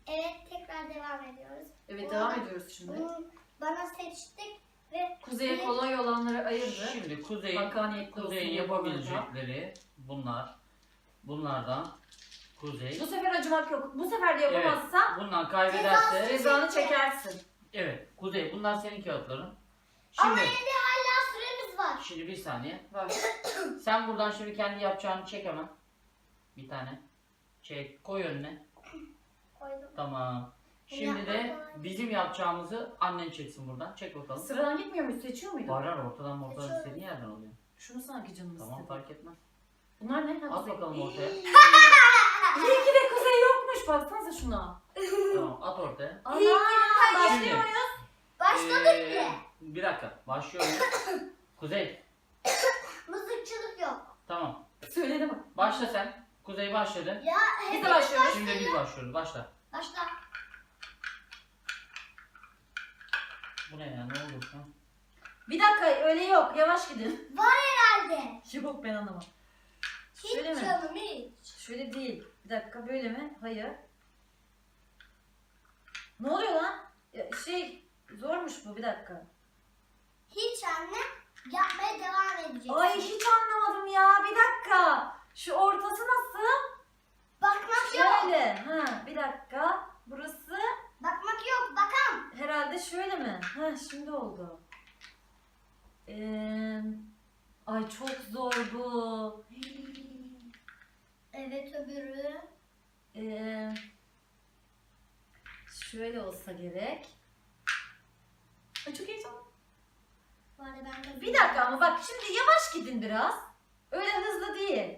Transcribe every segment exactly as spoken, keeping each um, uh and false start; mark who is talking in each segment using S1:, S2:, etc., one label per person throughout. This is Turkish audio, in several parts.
S1: Evet, tekrar devam ediyoruz.
S2: Evet, devam ediyoruz şimdi.
S1: Bunu bana seçtik ve
S2: Kuzeye kolay olanları ayırdı.
S3: Şimdi Kuzey'in
S2: Hakkaniyetli olsun
S3: Kuzey'in
S2: diye
S3: yapabilecekleri bunlar. Bunlardan Kuzey.
S2: Bu sefer acımak yok. Bu sefer de yapamazsan
S3: Bundan kaybederse
S2: cezanı çekersin.
S3: evet Kuzey bunlar senin kağıtların.
S1: Ama
S3: Şimdi
S1: evde hala süremiz var.
S3: şimdi bir saniye.
S2: Bak.
S3: Sen buradan şimdi kendi yapacağını çek hemen. Bir tane. Çek. Koy önüne.
S1: Koydum.
S3: Tamam. Şimdi de bizim yapacağımızı annen çeksin buradan. Çek bakalım.
S2: Sıradan gitmiyor muyuz? Seçiyor muydun?
S3: Var var ortadan ortadan
S1: Seçiyorum.
S3: istediğin yerden oluyor.
S2: Şunu sanki canım
S3: Tamam
S2: istedi.
S3: fark etmez.
S2: Bunlar ne? Ha,
S3: At
S2: Kuzey.
S3: bakalım ortaya.
S2: İyi ki de Kuzey yokmuş. Baksanıza şuna.
S3: Tamam at ortaya.
S2: Ana!
S1: İyi ki de
S2: Başlıyor
S3: Şimdi.
S2: muyuz?
S1: Başladık
S3: Ee,
S1: bile.
S3: Bir dakika. Başlıyorum. Kuzey.
S1: Mızıkçılık yok.
S3: Tamam.
S2: Söyledi mi?
S3: Başla sen. Kuzey başladı.
S1: Ya
S2: Biz
S1: hep
S2: de başlıyoruz.
S3: Şimdi biz başlıyoruz. Başla.
S1: Başla.
S3: Bu ne ya? Ne oldu? Ha?
S2: Bir dakika öyle yok. Yavaş gidin.
S1: Var herhalde.
S2: Yok ben anlamam.
S1: Hiç
S2: Şöyle mi?
S1: canım hiç.
S2: Şöyle değil. Bir dakika böyle mi? Hayır. Ne oluyor lan? Ya, şey zormuş bu bir dakika.
S1: Hiç anne. Yapmaya devam edecek.
S2: Ay hiç anlamadım ya. Bir dakika. Şu ortası nasıl?
S1: Bakmak yok.
S2: Şöyle. Ha bir dakika. Burası
S1: Bakmak yok. Bakam.
S2: herhalde şöyle mi? Ha şimdi oldu. Ee, ay çok zor bu.
S1: Evet öbürü.
S2: Ee, şöyle olsa gerek. Ay çok heyecanlı.
S1: Bu arada ben de
S2: Bir dakika ama bak şimdi yavaş gidin biraz. Öyle hızlı değil.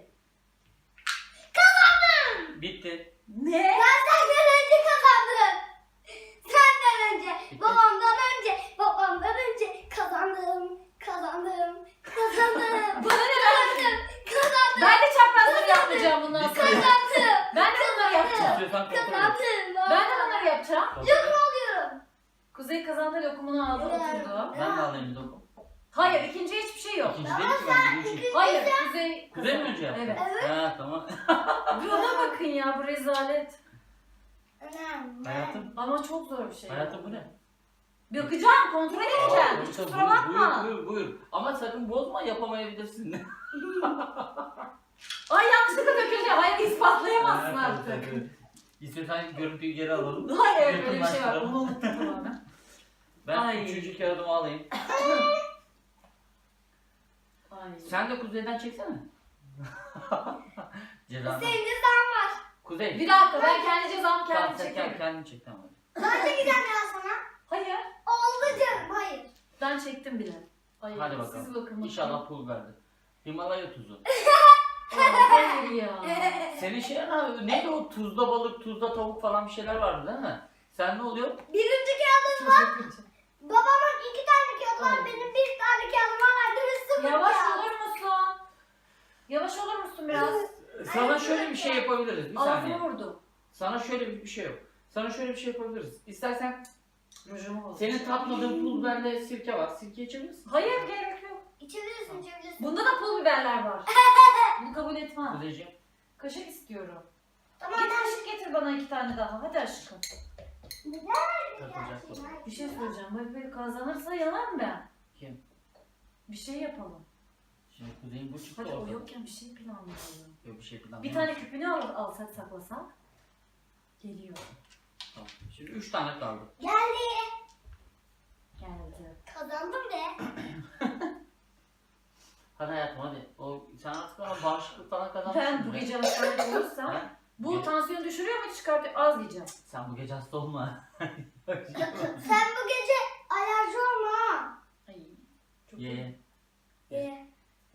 S3: Bitti.
S2: Ne?
S1: Ben senden önce kazandım. Senden önce. Babamdan önce. Babamdan önce kazandım. Kazandım. Kazandım.
S2: Bana ne ben?
S1: Kazandım. Kazandım.
S2: Ben de çaprazları yapmayacağım bundan sonra.
S1: Kazandım.
S2: Ben de bunları yapacağım.
S3: İstiyorsan kontrol et.
S1: Kazandım.
S2: Ben de bunları yapacağım.
S3: Kontrol et.
S1: alıyorum.
S2: Kuzey kazandı lokumunu aldı
S1: Evet.
S2: oturdu.
S3: Ben de alayım bir dokum.
S2: Hayır ikinci hiçbir şey yok.
S3: İkinci değil ki ben birinci.
S2: Hayır Kuzey.
S3: Kuzey mi önce yaptı?
S2: Evet.
S1: Evet.
S3: Ha tamam.
S2: Buna bakın ya bu rezalet.
S1: Önemli.
S3: Hayatım.
S2: Ama çok zor bir şey.
S3: Hayatım bu ne?
S2: Bakacağım kontrol edeceğim.
S3: Aa,
S2: Hiç
S3: buyur,
S2: kusura bakma.
S3: Buyur, buyur, buyur. Ama sakın bozma yapamayabilirsin.
S2: Ay yanlışlıkla dökülüyor. Hayır ispatlayamazsın
S3: Ha,
S2: artık.
S3: tabii, tabii. İstiyorsan görüntüyü geri alalım.
S2: Hayır öyle bir şey var.
S3: Yakınlaştıralım.
S2: Onu unuttum tamamen.
S3: Ben
S2: Ay.
S3: üçüncü kağıdımı alayım.
S2: Ay.
S3: Sen de Kuzey'den çeksene. Cezanı.
S1: Senin cezan var.
S3: Kuzey.
S2: Bir dakika ben kendi cezamı
S3: Tamam,
S2: kendim
S3: sen
S2: çekerim.
S3: kend- kendin çek tamam.
S1: Ben çekeceğim ya sana.
S2: Hayır.
S1: Oldu canım. Hayır.
S2: Ben çektim bile. Ay,
S3: Hadi bakalım.
S2: Siz bakın bakalım.
S3: İnşallah pul verdi. Himalaya tuzu.
S2: Aa, hayır ya.
S3: Senin şey ne? Neydi o tuzda balık, tuzda tavuk falan bir şeyler vardı değil mi? Sen ne oluyor?
S1: Birinci kağıdın var. Babamın iki tane kağıdı var.
S2: Ay.
S1: Benim bir tane kağıdım var. Annemiz sıfır
S2: Yavaş
S1: kağıt.
S2: olur musun? Yavaş olur musun biraz?
S3: Sana şöyle bir şey yapabiliriz. Bir saniye.
S2: Ağzını vurdu.
S3: Sana şöyle bir bir şey yok. Sana şöyle bir şey yapabiliriz. İstersen
S2: Rujumu bozdu.
S3: senin tatmadığın pul biberle sirke var. Sirke içebilir misin?
S2: Hayır gerek yok.
S1: İçebilirsin, içebilirsin.
S2: Bunda da pul biberler var. Bunu kabul etmem.
S3: Kuzeyciğim.
S2: Kaşık istiyorum.
S1: Tamam
S2: Git
S1: ben
S2: kaşık getir bana iki tane daha. Hadi aşkım.
S3: Takılacak bu.
S2: Bir şey söyleyeceğim. Böyle böyle kazanırsa yanarım ben.
S3: Kim?
S2: Bir şey yapalım.
S3: Şimdi Kuzey'in bu çıktı
S2: Hadi o
S3: ortada.
S2: yokken bir şey planlayalım.
S3: Yok bir şey planlayalım.
S2: Bir tane küpünü al, alsak saklasak. Geliyor.
S3: Tamam. Şimdi üç tane kaldı.
S1: Geldi.
S2: Geldi.
S1: Kazandım be.
S3: Hadi hayatım hadi. O, sen artık bana bağışıklık falan kazanmışsın.
S2: Ben bu
S3: be.
S2: gece hastalık olursam
S3: Ha?
S2: bu
S3: Ge-
S2: tansiyon düşürüyor mu çıkartıyor? Az yiyeceğim.
S3: Sen bu gece hasta olma.
S1: Sen bu gece alerji olma ha.
S2: Ay. Çok
S3: Ye ye.
S1: Ye.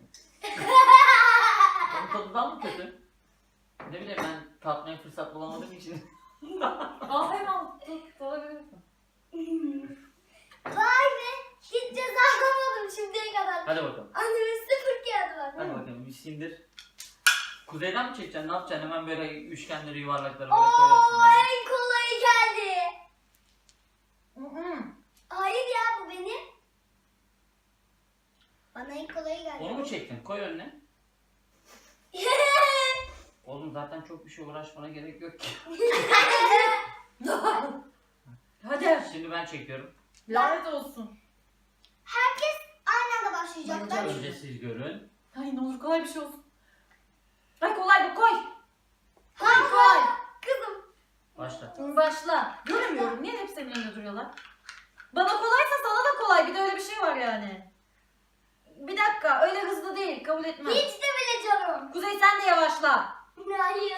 S3: Onun tadından mı kötü? Ne bileyim ben tatmaya fırsat bulamadığım için.
S2: Al hemen tut, alabilirsin.
S1: Vay be. Hiç ceza alamadım şimdiye kadar.
S3: Hadi bakalım.
S1: Annemin sıfır kağıdı var.
S3: Hadi bakalım bir sindir. Kuzeyden mi çekeceksin? Ne yapacaksın? Hemen böyle üçgenleri yuvarlaklara böyle
S1: Oo
S3: koyarsın. böyle.
S1: en kolayı geldi.
S2: Hı hı.
S1: Hayır ya bu benim. Bana en kolayı geldi.
S3: Onu mu çektin? Koy önüne. Oğlum zaten çok bir şey uğraşmana gerek yok ki.
S2: Hadi.
S3: Şimdi ben çekiyorum.
S2: Lanet olsun.
S1: Herkes aynı anda başlayacak. Ben
S3: Önce siz görün.
S2: Ay ne olur kolay bir şey olsun. Ay kolay bu koy. Koy koy.
S1: kızım.
S3: Başla.
S2: Başla. Göremiyorum. Niye hep senin önünde duruyorlar? Bana kolaysa sana da kolay. Bir de öyle bir şey var yani. Bir dakika. Öyle hızlı değil. Kabul etmem.
S1: Hiç de bile canım.
S2: Kuzey sen de yavaşla.
S1: Hayır.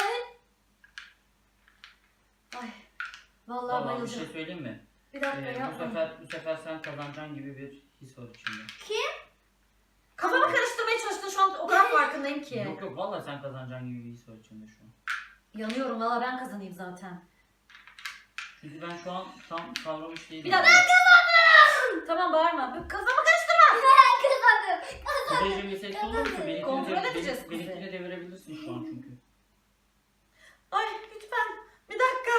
S2: Ay. Vallahi
S3: Vallahi bir
S2: bayılacağım.
S3: şey söyleyeyim mi?
S2: Bir dakika
S3: Ee, bu
S2: yapma.
S3: sefer bu sefer sen kazanacaksın gibi bir his var içimde.
S2: Kafamı karıştırmaya çalıştın şu an o kadar farkındayım ki.
S3: Yok yok vallahi sen kazanacaksın gibi bir his var içimde şu an.
S2: Yanıyorum valla ben kazanayım zaten.
S3: Çünkü ben şu an tam kavramış değilim.
S2: Bir dakika. Ben kazandım. Tamam bağırma. Kafamı karıştırma.
S1: Ben kazandım.
S3: Kuzeyciğim bir sesli olur musun? Benimkini,
S2: Kontrol
S3: de,
S2: edeceğiz
S3: benim,
S2: Kuzey.
S3: benimkini devirebilirsin şu an çünkü.
S2: Ay lütfen. Bir dakika.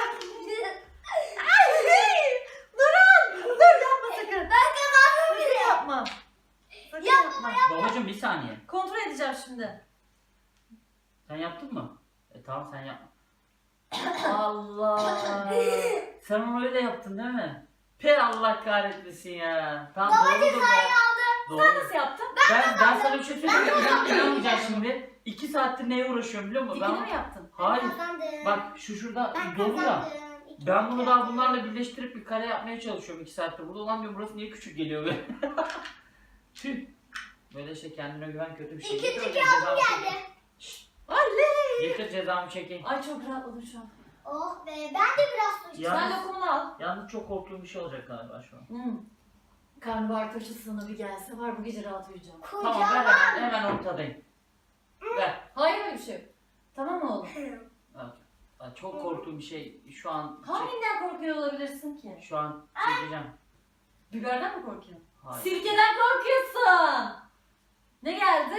S2: Ay, durun. Dur yapma sakın.
S1: Ben kazandım
S2: Sakın
S1: bile.
S2: yapma. Sakın
S1: Yapma,
S2: yapma.
S3: Babacım bir saniye.
S2: Kontrol edeceğim şimdi.
S3: Sen yaptın mı? E tamam sen yapma.
S2: Allah.
S3: Sen onu öyle yaptın değil mi? Pe Allah kahretmesin ya. Tamam
S1: Baba
S3: doğrudur
S1: cezayı
S3: be.
S1: aldım.
S3: Doğru.
S2: Sen nasıl yaptın?
S3: Ben, ben sana bir şey söyleyeyim mi? İnan, inanmayacaksın şimdi. İki saattir neye uğraşıyorum biliyor musun?
S2: Dikini
S3: Ben,
S2: mi yaptın?
S3: hayır.
S1: Ben kazandım.
S3: Bak şu şurada
S1: Ben
S3: dolu ya.
S1: kazandım. İki
S3: Ben bunu
S1: kere.
S3: daha bunlarla birleştirip bir kare yapmaya çalışıyorum iki saattir. Burada olan diyorum burası niye küçük geliyor be? Tüh. Böyle işte kendine güven kötü bir şey.
S1: İkinci
S3: Getir,
S1: kağıdım
S3: cezamı
S1: geldi.
S3: çekeyim.
S2: Oley.
S3: Getir cezamı çekeyim.
S2: Ay çok rahatladım şu an.
S1: Oh be ben de biraz su içtim.
S3: Ya.
S2: Sen
S3: Yalnız-
S2: lokumunu al.
S3: Yalnız çok korktuğum bir şey olacak galiba şu an.
S2: Hmm. Karnabahar turşusuna bir gelse var bu gece rahat uyuyacağım.
S3: Tamam ver
S1: Kocaman.
S3: hemen, hemen ortadayım. Ver.
S2: Hayır öyle bir şey yok. Tamam mı oğlum?
S3: Bak, bak, çok korktuğum bir şey şu an çek,
S2: Hanginden korkuyor olabilirsin ki?
S3: şu an çekeceğim.
S2: Biberden mi korkuyorsun?
S3: Hayır.
S2: Sirkeden korkuyorsun. Ne geldi?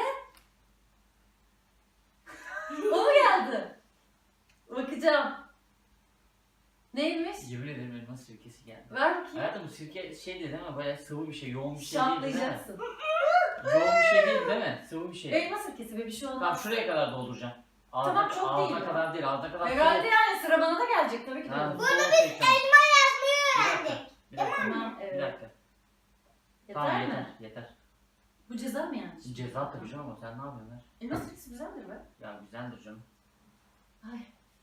S2: O mu geldi? Bakacağım. Neymiş?
S3: Yemin ederim elma sirkesi geldi.
S2: Ver bakayım.
S3: Hayatım bu sirke şey değil ama bayağı sıvı bir şey, yoğun bir şey değil değil mi?
S2: Şaplayacaksın.
S3: Yoğun bir şey değil değil mi? Sıvı bir şey.
S2: Elma sirkesi be bir şey
S3: Tamam
S2: olmaz.
S3: şuraya kadar dolduracağım. Ağzına,
S2: Tamam, çok
S3: ağzına
S2: değil ya.
S3: kadar değil, ağzına kadar.
S2: Herhalde
S3: soğuk.
S2: yani sıra bana da gelecek tabii ki de.
S3: Ha,
S2: olur.
S3: soğuk çekeceğim.
S1: Yazmayı
S3: Bir dakika,
S1: öğrendik.
S3: bir dakika,
S2: Tamam
S3: bir
S2: evet.
S3: dakika.
S2: Yeter
S3: Tamam
S2: mi?
S3: yeter, yeter.
S2: Bu ceza mı yani?
S3: Ceza tabii canım ama sen ne yapıyorsun ver?
S2: Elma sirkesi güzeldir be.
S3: Ya güzeldir canım.
S2: Ay.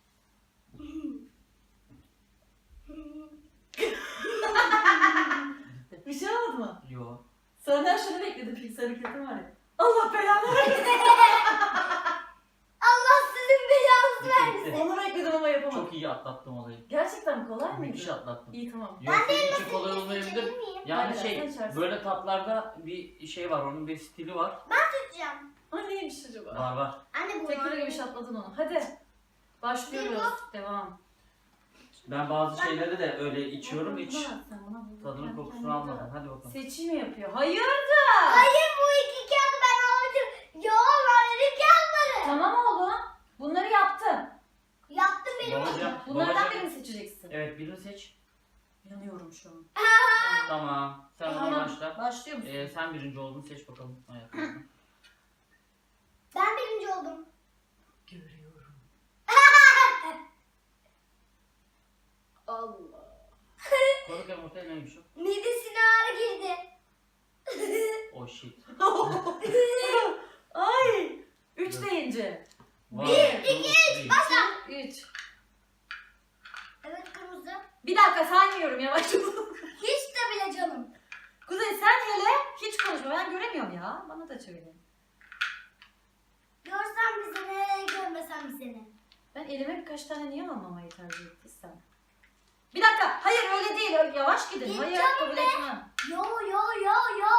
S2: Bir şey olmadı mı?
S3: Yo.
S2: Senden şunu bekledim fix hareketim var ya. Allah belanı versin.
S1: Allah sizin belanızı
S3: Bitti,
S1: versin.
S3: bitti.
S2: Onu bekledim ama yapamadım.
S3: Çok iyi atlattım olayı.
S2: Gerçekten mi kolay
S3: Müthiş
S2: mıydı?
S3: atlattım.
S2: İyi tamam.
S3: Yok senin için kolay olmayabilir.
S1: İçebilir miyim?
S3: Yani
S2: Aynen, sen
S3: şey
S2: içersin.
S3: böyle tatlarda bir şey var, onun bir stili var.
S1: Tutacağım.
S2: Ay neymiş acaba?
S3: Var var.
S1: Anne bu
S2: Tekrar gibi şatladın onu. Hadi. Başlıyoruz. Devam.
S3: Ben bazı şeyleri de öyle içiyorum hiç
S2: Buna bak sen, buna bak.
S3: tadının
S2: Kendi
S3: kokusunu
S2: kendine
S3: almadım.
S2: bak.
S3: Hadi bakalım.
S2: Seçim yapıyor. Hayırdır?
S1: Hayır bu iki kağıdı ben almışım. Yo verdim kağıtları.
S2: Tamam oğlum. Bunları yaptın.
S1: Yaptım benim.
S3: Babacım,
S2: Bunlardan
S3: babacım.
S2: birini seçeceksin.
S3: Evet birini seç.
S2: Yanıyorum şu an.
S3: Tamam. Sen
S2: Tamam.
S3: bana başla.
S2: Başlıyor musun?
S3: Ee, sen birinci oldun seç bakalım hayatım.
S1: Ben birinci oldum.
S2: Görüyorum. Allah.
S3: Koruk hem ortaya neymiş o?
S1: Midesine ağrı girdi.
S3: Oh shit.
S2: Ay. Üç deyince.
S3: One,
S2: Bir,
S3: two, three.
S1: Başla.
S2: Üç.
S1: Evet kırmızı.
S2: Bir dakika saymıyorum yavaş.
S1: Hiç de bile canım.
S2: Kuzey sen hele hiç konuşma. Ben göremiyorum ya. Bana da çevirin.
S1: Görsem bize ne, görmesem bize ne.
S2: Ben elime birkaç tane niye almamayı tercih ettiysem. Bir dakika. Hayır öyle değil. Öyle yavaş gidin.
S1: Git
S2: Hayır
S1: canım
S2: kabul
S1: be.
S2: etmem.
S1: Yo yo yo yo.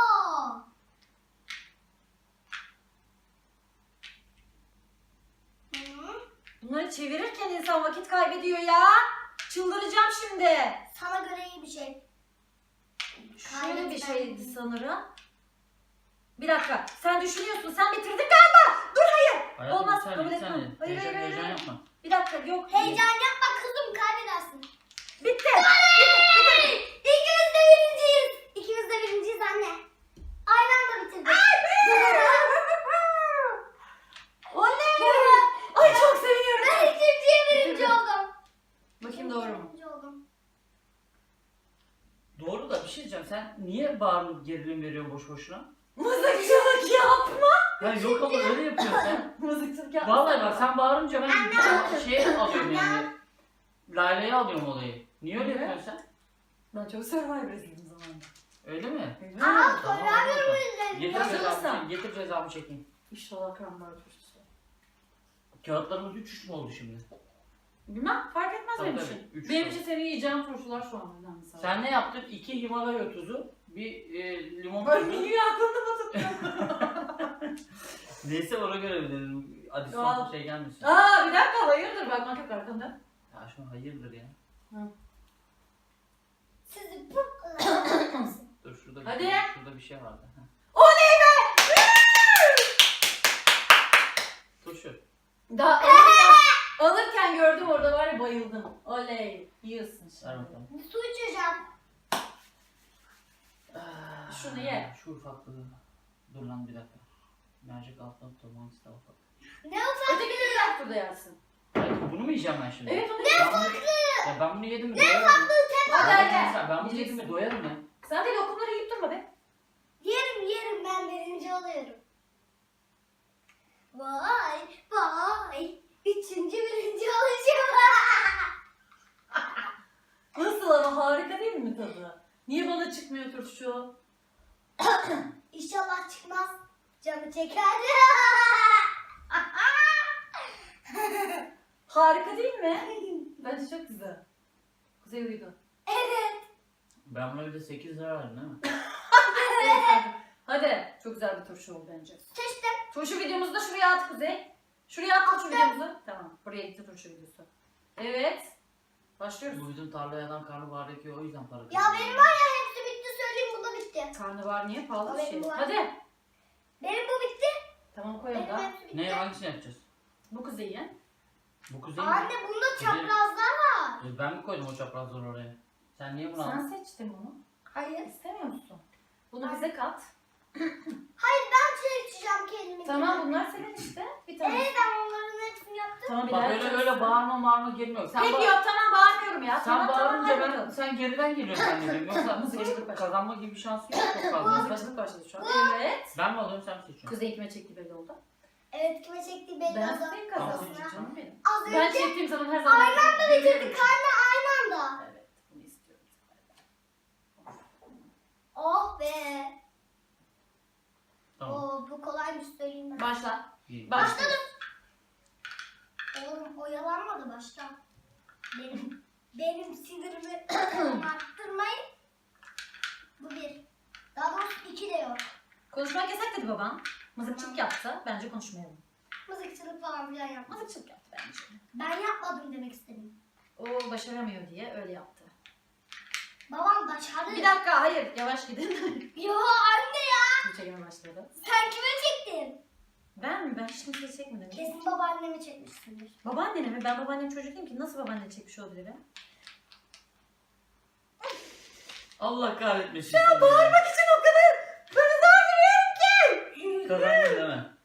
S1: Hı?
S2: Bunları çevirirken insan vakit kaybediyor ya. Çıldıracağım şimdi.
S1: Sana göre iyi bir şey.
S2: Şöyle bir
S1: Kaybetmem.
S2: şeydi sanırım. Bir dakika. Sen düşünüyorsun. Sen bitirdin galiba. Dur hayır.
S3: Hayatım,
S2: Olmaz,
S3: bir saniye,
S2: kabul
S3: bir
S2: etmem.
S3: saniye.
S2: Hayır,
S3: Heyecan,
S2: hayır,
S3: heyecan
S2: hayır.
S3: yapma.
S2: Bir dakika yok.
S1: Heyecan yapma kızım kaybedersin.
S2: Bitti.
S1: Hey! İkimiz de birinciyiz. İkimiz de birinciyiz anne. Aynı anda bitirdik.
S2: Oley. Ay çok seviniyorum.
S1: Ben ikinciye birinci
S2: Bitirdim.
S1: oldum.
S2: Bakayım doğru mu?
S1: Birinci oldum.
S3: diyeceğim. Sen niye bağırıp gerilim veriyorsun boş boşuna?
S2: Mızıkçılık yapma.
S3: Ya yok ama öyle yapıyorsun sen.
S2: Mızıkçılık yapma.
S3: Vallahi bak sen bağırınca ben şey alıyorum yani. Lale'ye alıyorum olayı. Niye öyle
S2: Ne?
S3: yapıyorsun sen?
S2: Ben çok Survivor izledim zamanında.
S3: Öyle mi?
S2: Öyle
S1: Aa,
S2: mi?
S3: Tamam,
S1: Survivor
S3: hadi bakalım.
S1: izledim.
S3: Getir
S2: Hazır
S3: cezamı,
S2: mısın?
S3: çekeyim, getir cezamı çekeyim.
S2: İnşallah kramlar turşusu.
S3: Kağıtlarımız üç üç mü oldu şimdi?
S2: Bilmem fark etmez
S3: Tabii
S2: benim
S3: tabii,
S2: için.
S3: üç
S2: Benim
S3: oldu.
S2: için senin yiyeceğin turşular şu an önemli sadece.
S3: Sen ne yaptın? İki Himalaya tuzu, bir e, limon
S2: Ben
S3: tuzu.
S2: niye aklımda mı tuttun?
S3: Neyse ona göre mi dedim.
S2: Al.
S3: Adisyon şey gelmesin.
S2: Aa bir dakika hayırdır bakmak yok arkanda.
S3: Ya şu an hayırdır ya.
S1: Sizi bu
S3: Dur şurada bir,
S2: Hadi.
S3: şurada bir şey vardı. Heh.
S2: Oley be!
S3: Turşu.
S2: Daha alırken, alırken gördüm orada var ya bayıldım. Oley yiyorsun
S3: Ver
S2: şimdi.
S3: bakalım.
S1: su içeceğim.
S3: Ah,
S2: Şunu ye.
S3: Şu ufaklığı. Dur lan bir dakika. Mercek altına tutalım hangisi daha ufak.
S1: Ne ufak?
S2: Ötekileri de burada yersin.
S3: Hayır, bunu mu yiyeceğim ben şimdi?
S2: Evet onu
S3: Ne ufaklığı? Ya ben bunu yedim mi doyarım.
S2: Hadi
S3: Ya
S2: hadi.
S3: Ben, ben bunu yedim mi doyarım ya.
S2: Sen de lokumları yiyip durma be.
S1: Yerim yerim ben birinci oluyorum. Vay vay. Üçüncü birinci olacağım.
S2: Nasıl ama harika değil mi tadı? Niye bana çıkmıyor turşu?
S1: İnşallah çıkmaz. Canı çeker.
S2: Harika değil mi? Bence çok güzel. Kuzey uyudu.
S1: Evet.
S3: Ben buna bir de sekiz lira verdim değil mi?
S2: Hadi. Çok güzel bir turşu oldu bence.
S1: Seçtim.
S2: Turşu videomuzu da şuraya at Kuzey. Şuraya at turşu videomuzu. Tamam. Buraya gitti turşu videosu. Evet. Başlıyoruz.
S3: Bu bizim tarlaya adam karnabahar ekiyor o yüzden para
S1: Ya
S3: kazanıyor.
S1: benim var ya hepsi bitti söyleyeyim bu da bitti.
S2: Karnabahar niye pahalı bir
S1: Evet,
S2: şey?
S1: bu var.
S2: Hadi.
S1: Benim bu bitti.
S2: Tamam koyalım
S1: Benim
S2: da.
S1: hepsi bitti.
S3: Ne hangisini yapacağız?
S2: Bu Kuzey'in.
S3: Bu kuzey mi?
S1: Anne bunda çaprazlar var.
S3: E, Ben mi koydum o çaprazları oraya? Sen niye bunu
S2: Sen
S3: aldın?
S2: seçtin bunu.
S1: Hayır.
S2: İstemiyor musun? Bunu bize kat.
S1: Hayır ben seçeceğim kendimi.
S2: Tamam bunlar senin işte. Bir tane.
S1: Evet ben onların hepsini yaptım.
S2: Tamam bir
S3: Bak
S2: daha
S3: öyle
S2: yapacağız.
S3: öyle bağırma bağırma girmiyor. Sen
S2: Peki
S3: ba-
S2: yok tamam bağırmıyorum ya.
S3: Sen
S2: tamam,
S3: bağırınca
S2: tamam,
S3: ben
S2: hadi bakalım.
S3: sen geriden geliyorsun zannediyorum. Yoksa
S2: Mızıkçılık başladı.
S3: kazanma gibi bir şansın yok çok fazla.
S2: Mızıkçılık başladı şu an. Evet.
S3: Ben mi alıyorum sen mi seçiyorsun?
S2: Kuzey kime çekti belli oldu.
S1: Evet kime çektiği belli
S2: Ben
S1: oldu.
S2: senin
S3: Tamam.
S2: kazansın canım benim.
S1: Az
S2: Ben
S1: önce
S2: çektiğim zaman her zaman...
S1: aynı anda bitirdik. Anne aynı anda.
S2: Evet bunu istiyorum.
S1: Oh be.
S3: Tamam.
S1: Oo, bu kolaymış söyleyeyim ben.
S2: Başla.
S3: Bir-
S2: Başladım.
S1: Oğlum oyalanmadı başta. Benim benim sinirimi arttırmayın. Bu bir. Daha doğrusu iki de yok.
S2: Konuşmak yasak dedi baban. Mızıkçılık yaptı. Bence konuşmayalım.
S1: Mızıkçılık falan filan yapmadım.
S2: Mızıkçılık yaptı bence.
S1: Ben yapmadım demek istedim.
S2: O başaramıyor diye öyle yaptı.
S1: Babam başardı.
S2: Bir dakika hayır yavaş gidin.
S1: Yo anne ya.
S2: Bu çekime başladı.
S1: Sen kime çektin?
S2: Ben mi? Ben hiç kimseyi çekmedim.
S1: Kesin babaannemi çekmişsindir.
S2: Babaannene mi? Ben babaannem çocuk değilim ki. Nasıl babaanne çekmiş olabilirim?
S3: Allah kahretmesin. Ya
S2: Bağırmak için o kadar böyle zor duruyorum ki.
S3: Kazandın değil mi?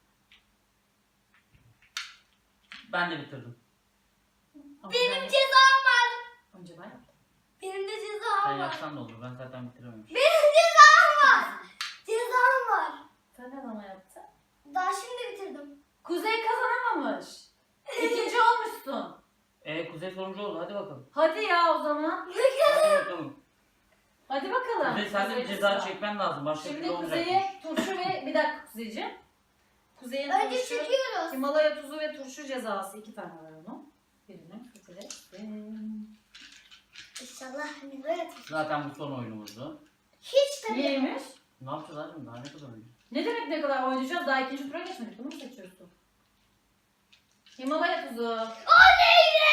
S3: Ben de bitirdim.
S1: Benim cezam var.
S2: Önce ben yaptım.
S1: Benim de
S3: Sen
S1: cezam var.
S3: yapsan da olur. Ben zaten bitirememişim.
S1: Benim cezam var. Cezam var.
S2: Sen ne zaman yaptın?
S1: Daha şimdi bitirdim.
S2: Kuzey kazanamamış. İkinci olmuşsun.
S3: Eee Kuzey sonuncu oldu. Hadi bakalım.
S2: Hadi ya o zaman.
S3: Hadi bakalım.
S2: Hadi bakalım.
S3: Kuzey sen de bir
S2: Kuzey'in
S3: ceza
S2: sıra.
S3: çekmen lazım. Başka
S2: Şimdi
S3: türlü olmayacak.
S2: Kuzey'e turşu ve bir dakika Kuzeyciğim. Kuzey'in
S1: Önce
S2: turşu,
S1: çekiyoruz.
S2: Himalaya tuzu ve turşu cezası iki tane var onun. Birini Kuzey'in.
S1: İnşallah hani böyle tut.
S3: Zaten bu son oyunumuzdu.
S1: Hiç tabii.
S2: Neymiş?
S3: Ne yapacağız abi? Daha ne kadar oynayacağız?
S2: Ne demek ne kadar oynayacağız? Daha ikinci tura geçmedik. Bunu mu seçiyorsun? Himalaya tuzu.
S1: Oleyre!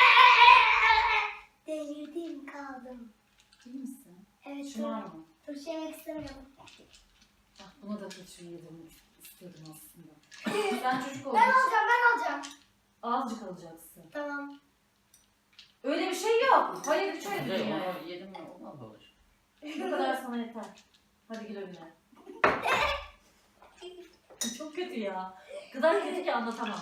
S1: Delirdim kaldım.
S2: İyi misin?
S1: Evet.
S2: Şımar mı?
S1: Turşu yemek istemiyorum.
S2: Ah, buna da turşu yedirmek istiyordum aslında. Sen çocuk olduğun
S1: Ben
S2: için
S1: alacağım ben alacağım.
S2: azıcık alacaksın.
S1: Tamam.
S2: Öyle bir şey yok. Hayır hiç öyle bir
S3: Kuzey
S2: dünya yok.
S3: onu yedim mi? Olmaz böyle şey.
S2: Bu kadar sana yeter. Hadi gül önüne. Çok kötü ya. Kadar kötü ki anlatamam.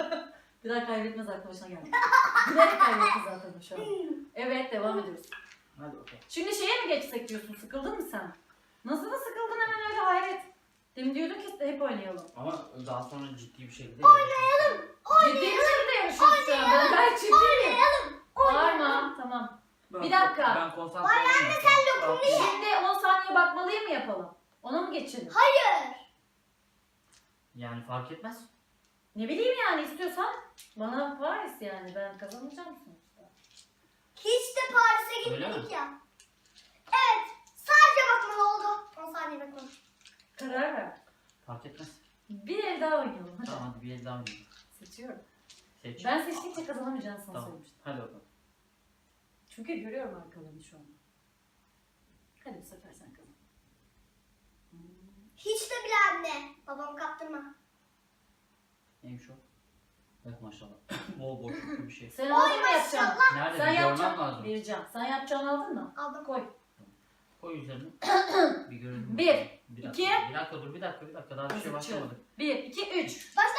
S2: Bir daha kaybetmez arkadaşına geldi. Bilerek kaybetti zaten şu an. Evet devam ediyoruz.
S3: Hadi bakalım.
S2: Şimdi şeye mi geçsek diyorsun? Sıkıldın mı sen? Nasıl da sıkıldın hemen öyle hayret. Demin diyordun ki hep oynayalım.
S3: Ama daha sonra ciddi bir şekilde
S1: Oynayalım.
S2: Ciddi bir şekilde yarışıyoruz şu an. Ben gayet ciddiyim.
S1: Oynayalım.
S2: Bağırma. Tamam.
S3: Ben,
S2: Bir dakika.
S3: Ben konsantre olayım. Sen lokumlu ye.
S2: Şimdi on saniye bakmalıyı mı yapalım? Ona mı geçelim?
S1: Hayır.
S3: Yani fark etmez.
S2: Ne bileyim yani istiyorsan. Bana Paris yani. Ben kazanacağım sonuçta.
S1: Hiç de Paris'e
S3: Öyle
S1: gitmedik
S3: mi?
S1: ya. Evet. Sadece bakmalı oldu. on saniye bakmalı.
S2: Karar ver.
S3: Fark etmez.
S2: Bir el daha oynayalım. Hadi.
S3: Tamam hadi bir el daha oynayalım.
S2: Seçiyorum.
S3: Seç.
S2: Ben seçtikçe kazanamayacağını sana
S3: Tamam.
S2: söylemiştim.
S3: Hadi bakalım.
S2: Çünkü görüyorum arkalarını şu anda. Hadi bu sefer sen kazan. Hmm.
S1: Hiç de bile anne. Babamı kaptırma.
S3: Neymiş o? Evet maşallah. bol bol şükür bir şey.
S2: Sen
S1: Oy
S2: aldın mı yapacaksın?
S1: maşallah.
S3: Nerede?
S2: Sen
S3: Bir görmem
S2: yapacaksın.
S3: lazım.
S2: Vereceğim. Sen yapacağını aldın mı?
S1: Aldım.
S2: Koy.
S3: Koy üzerine. bir görelim.
S2: Bir,
S3: bakalım. Bir dakika,
S2: iki.
S3: Bir dakika dur bir dakika bir dakika daha bir şey
S2: Seçiyorum.
S3: başlamadı.
S2: Bir, iki, üç.
S1: Başla.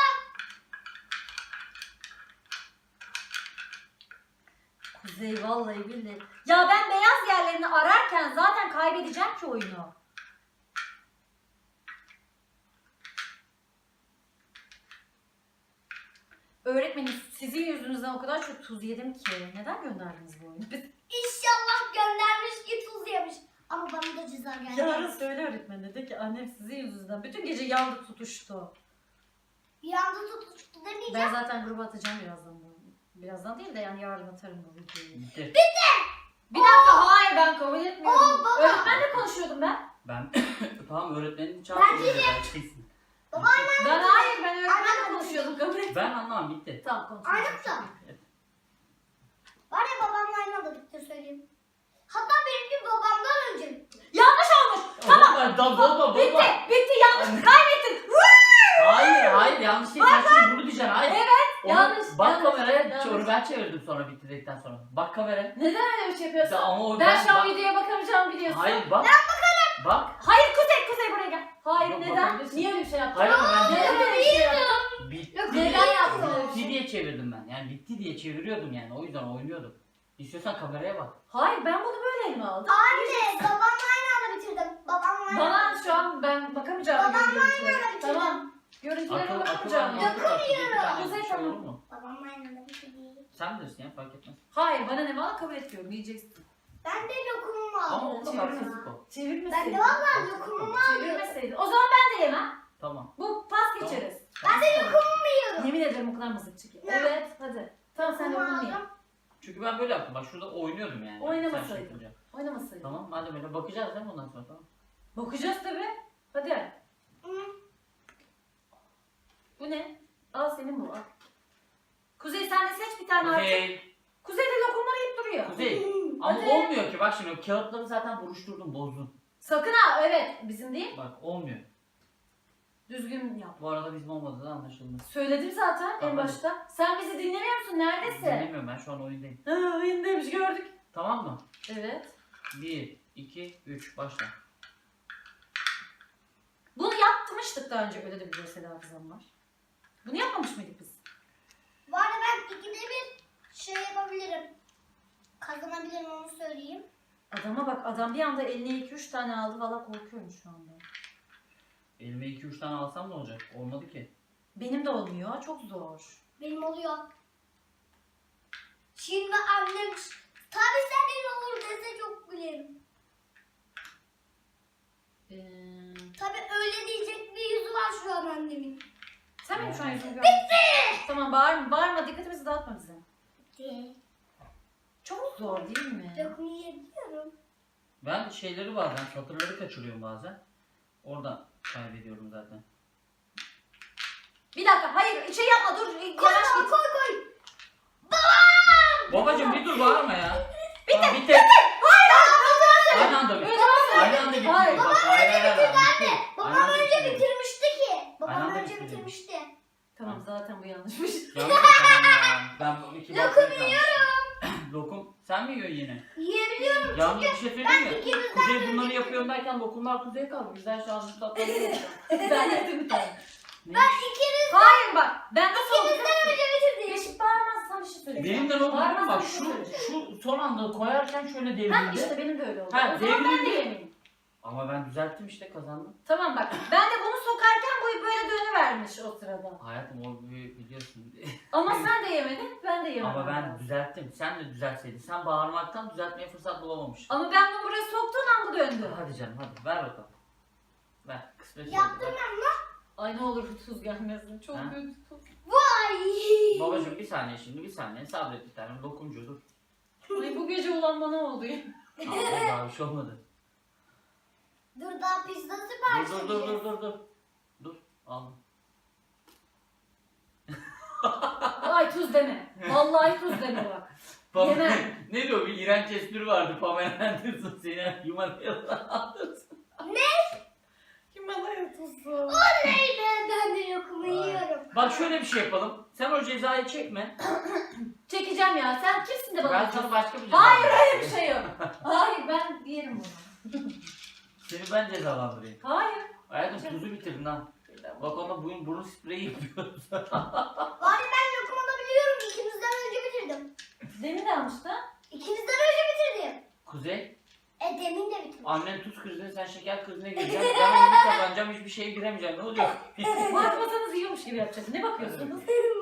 S2: Kuzey vallahi billahi. Ya ben beyaz yerlerini ararken zaten kaybedeceğim ki oyunu. Öğretmenim sizin yüzünüzden o kadar çok tuz yedim ki. Neden gönderdiniz bu oyunu?
S1: İnşallah göndermiş ki tuz yemiş. Ama bana da ceza geldi.
S2: Yarın söyle öğretmen dedi ki annem sizin yüzünüzden bütün gece yandı tutuştu.
S1: Bir anda tutuştu demeyeceğim.
S2: Ben zaten gruba atacağım birazdan bunu. Birazdan değil de yani yarın atarım bu videoyu.
S3: Bitti.
S2: Bir dakika hayır ben kabul etmiyorum.
S1: Aa, baba.
S2: Öğretmenle konuşuyordum ben.
S3: Ben tamam öğretmenin çağırdı. Gerçeksin.
S1: Baba
S2: Ben hayır ben öğretmenle
S1: Aynen.
S2: konuşuyordum kabul etmiyorum.
S3: Ben anlamam bitti.
S2: Tamam konuşuyoruz.
S1: Aynen da. Var ya babamla aynı anda bitti söyleyeyim. Hatta benimki babamdan önce bitti.
S2: Yanlış olmuş.
S3: Tamam. Tamam. Bozma
S2: Bitti.
S3: bozma.
S2: Bitti yanlış. Kaybettin.
S3: Hayır hayır yanlış değil. Sen şimdi bunu diyeceksin. Hayır.
S2: Evet,
S3: Onu-
S2: yanlış,
S3: Bak
S2: yanlış,
S3: kameraya.
S2: yanlış.
S3: Onu ben çevirdim sonra bitirdikten sonra. Bak kameraya.
S2: Neden öyle bir şey yapıyorsun?
S3: Ya ama o-
S2: ben
S3: ben-
S2: şu an
S3: bak-
S2: videoya bakamayacağım biliyorsun.
S3: Hayır bak. Ben bakarım. Bak.
S2: Hayır Kuzey Kuzey buraya gel. Hayır
S3: Yok,
S2: neden?
S3: bakabilirsin.
S2: Niye öyle bir şey yaptın?
S3: Hayır ama ben
S2: Neden öyle bir şey yaptın?
S3: bitti.
S2: Neden yaptın öyle bir
S3: Bitti
S2: şey?
S3: diye çevirdim ben. Yani bitti diye çeviriyordum yani. O yüzden oynuyordum. İstiyorsan kameraya bak.
S2: Hayır ben bunu böyle elime aldım.
S1: Anne babamla aynı anda bitirdim. Babamla aynı
S2: Bana
S1: anda.
S2: şu an ben bakamayacağım
S1: Babamla
S2: görüntülere.
S1: aynı anda bitirdim.
S2: Tamam. Görüntülere
S3: Akıl akıl
S2: bakamayacağım.
S3: almak var. Bir tane
S2: Kuzey,
S3: bir şey olur
S2: tamam.
S3: mu?
S1: Babamla aynı anda bitirdim.
S3: Sen bilirsin ya fark etmez.
S2: Hayır bana ne valla kabul etmiyorum diyeceksin.
S1: Ben de lokumumu aldım.
S3: Ama onda haksızlık o.
S2: Çevirmeseydin.
S1: Ben de vallahi lokumumu aldım.
S2: Çevirmeseydin. O zaman ben de yemem.
S3: Tamam.
S2: Bu pas geçeriz.
S1: Ben de lokumumu yiyorum.
S2: Yemin ederim o kadar mızıkçı ki.
S1: Ne?
S2: Evet hadi. Tamam sen
S1: Lokumu
S2: lokumu ye.
S1: aldım.
S3: Çünkü ben böyle yaptım. Bak şurada oynuyordum yani.
S2: Oynamasaydın.
S3: Sen şey yapınca.
S2: Oynamasaydın.
S3: Tamam madem öyle bakacağız değil mi ondan sonra tamam.
S2: Bakacağız tabi. Hadi.
S1: Hı.
S2: Bu ne? Al senin bu al. Kuzey sen de seç bir tane artık.
S3: Kuzey.
S2: Kuzey de lokumları yiyip duruyor.
S3: Kuzey. Ama
S2: Hadi.
S3: olmuyor ki bak şimdi o kağıtları zaten buruşturdum bozdun.
S2: Sakın ha evet bizim değil.
S3: Bak olmuyor.
S2: Düzgün yap.
S3: Bu arada bizim olmadığı da anlaşıldı.
S2: Söyledim zaten en
S3: Tamam.
S2: başta. Sen bizi dinlemiyor musun? Neredesin?
S3: Dinlemiyorum ben şu an oyundayım.
S2: Ha, oyundaymış gördük.
S3: Tamam mı?
S2: Evet.
S3: bir, iki, üç başla.
S2: Bunu yapmıştık daha önce öyle de bir görsel hafızam var. Bunu yapmamış mıydık biz?
S1: Bu arada ben ikide bir şey yapabilirim. Kazanabilirim onu söyleyeyim.
S2: Adama bak adam bir anda eline iki üç tane aldı valla korkuyorum şu anda.
S3: Elime iki üç tane alsam ne olacak? Olmadı ki.
S2: Benim de olmuyor çok zor.
S1: Benim oluyor. Şimdi annem tabii senin olur dese çok gülerim.
S2: Ee,
S1: Tabii öyle diyecek bir yüzü var şu an annemin.
S2: sen benim şu an yüzümü görmüyorsun. Bitti! Tamam bağırma bağırma dikkatimizi dağıtma bize.
S1: Değil.
S2: Çok zor değil mi?
S1: Lokumu yiyebiliyorum.
S3: Ben şeyleri bazen satırları kaçırıyorum bazen. Oradan kaybediyorum zaten.
S2: Bir dakika hayır şey yapma dur
S1: Koy
S2: yavaş
S1: koy
S2: git.
S1: koy koy.
S3: Babacım bir dur bağırma ya. Bitti. Tamam, bitti. Aynı anda bitti. Aynı anda bitti.
S2: Hayır.
S3: Bak, hayır, hayır, hayır, bitti. Aynı
S1: Babam
S3: anda
S1: önce
S3: bitti.
S1: bitirmişti ki.
S3: Aynı
S1: Babam
S3: anda
S1: önce
S3: bitti.
S1: bitirmişti.
S2: Tamam zaten bu yanlışmış.
S3: Yanlış yapalım ya. Ben bu iki
S1: Lokum
S3: bakmayı kalmıştım. Lokum sen mi yiyorsun yine?
S1: Yiyebiliyorum.
S3: Yalnız bir şey söyleyeyim mi?
S1: ikinizden
S3: Kuzey
S1: biri
S3: bunları yapıyorum derken lokumlar kuzeye kaldı. Güzel şanslı tatlı.
S2: Ben yedim bir tane.
S3: Ne?
S1: Ben ikiniz,
S2: Hayır bak ben nasıl oldum?
S1: ikinizden önce bitirdim.
S2: Beşik bağırmazsan bir şey söyleyeceğim.
S3: Benim de ne oldu biliyor musun?
S2: Bağırmazsan
S3: Bak
S2: bir şey
S3: şu,
S2: söyleyeceğim.
S3: şu son anda koyarken şöyle
S2: Ha
S3: devrildi.
S2: işte benim de öyle oldu.
S3: Ha,
S2: O zaman ben de
S3: devrildi.
S2: yemeyeyim.
S3: Ama ben düzelttim işte, kazandım.
S2: Tamam bak. Ben de bunu sokarken bu böyle dönüvermiş o sırada.
S3: Hayatım o bir- biliyorsun.
S2: Ama sen de yemedin, ben de yemedim.
S3: Ama ben düzelttim. Sen de düzeltseydin. Sen bağırmaktan düzeltmeye fırsat bulamamıştın.
S2: Ama ben bunu buraya soktuğum an bu döndü.
S3: Hadi canım hadi ver bakalım. Ver. Kısmet oldu,
S1: Yaptım
S3: ver.
S1: ben lan.
S2: Ay ne olur tuz gelmesin. Çok
S3: Ha?
S2: kötü tuz.
S1: Vay.
S3: Babacım bir saniye şimdi bir saniye sabret bir tane lokumcu dur.
S2: Ay bu gece olan bana oldu ya.
S3: Aa, daha bir şey olmadı.
S1: Dur daha pizza
S3: Dur
S1: sipariş
S3: dur dur
S1: edeceğiz.
S3: dur dur dur. Dur al.
S2: Ay tuz deme. Vallahi tuz deme bak.
S3: Pam-
S2: Yemem.
S3: ne diyor bir iğrenç espri vardı Pamela Anderson seni Himalaya'da aldırsın.
S2: Himalaya tuzu.
S1: Oley be, ben de lokumu
S3: Ay.
S1: yiyorum.
S3: Bak şöyle bir şey yapalım. Sen o cezayı çekme.
S2: Çekeceğim ya. Sen kimsin de bana
S3: Ben
S2: atıyorsun?
S3: sana başka bir ceza
S2: Hayır öyle
S3: vereyim.
S2: bir şey yok. Hayır ben yerim bunu.
S3: Seni ben cezalandırayım.
S2: Hayır.
S3: Hayatım tuzu bitirdin ha. Bak ona burun, burun spreyi yapıyoruz.
S1: Bari ben lokum alabiliyorum. İkinizden önce bitirdim.
S2: Demin de almıştı.
S1: İkinizden önce bitirdim.
S3: Kuzey,
S1: E demin de bitirdim.
S3: annen tuz krizine sen şeker krizine gireceksin. Ben oyunu kazanacağım hiçbir şeye giremeyeceğim. Ne olacak?
S2: Bakmasanız yiyormuş gibi yapacağız. Ne bakıyorsunuz?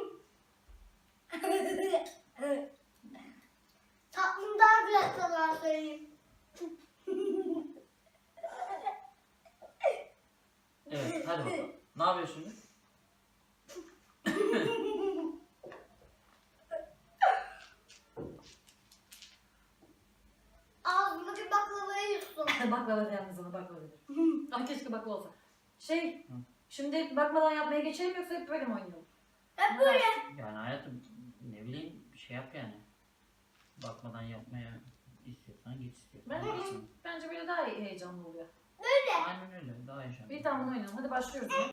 S1: Tatlım daha güzel sana söyleyeyim.
S3: Evet hadi bakalım. Ne yapıyorsun şimdi?
S1: Ağzımdaki baklavayı yuttum.
S2: Baklava da yalnız ona baklava dedi. Ay keşke baklava olsa. Şey,
S3: Hı.
S2: şimdi bakmadan yapmaya geçelim yoksa hep böyle mi oynayalım?
S1: Hep böyle.
S3: Yani hayatım ne bileyim bir şey yap yani. Bakmadan yapmaya istiyorsan git istiyorsan.
S2: Ben
S3: gitsin.
S2: bence böyle daha heyecanlı oluyor.
S1: Böyle.
S3: Aynen öyle daha yaşanıyor.
S2: Bir tane bunu oynayalım. Hadi başlıyoruz.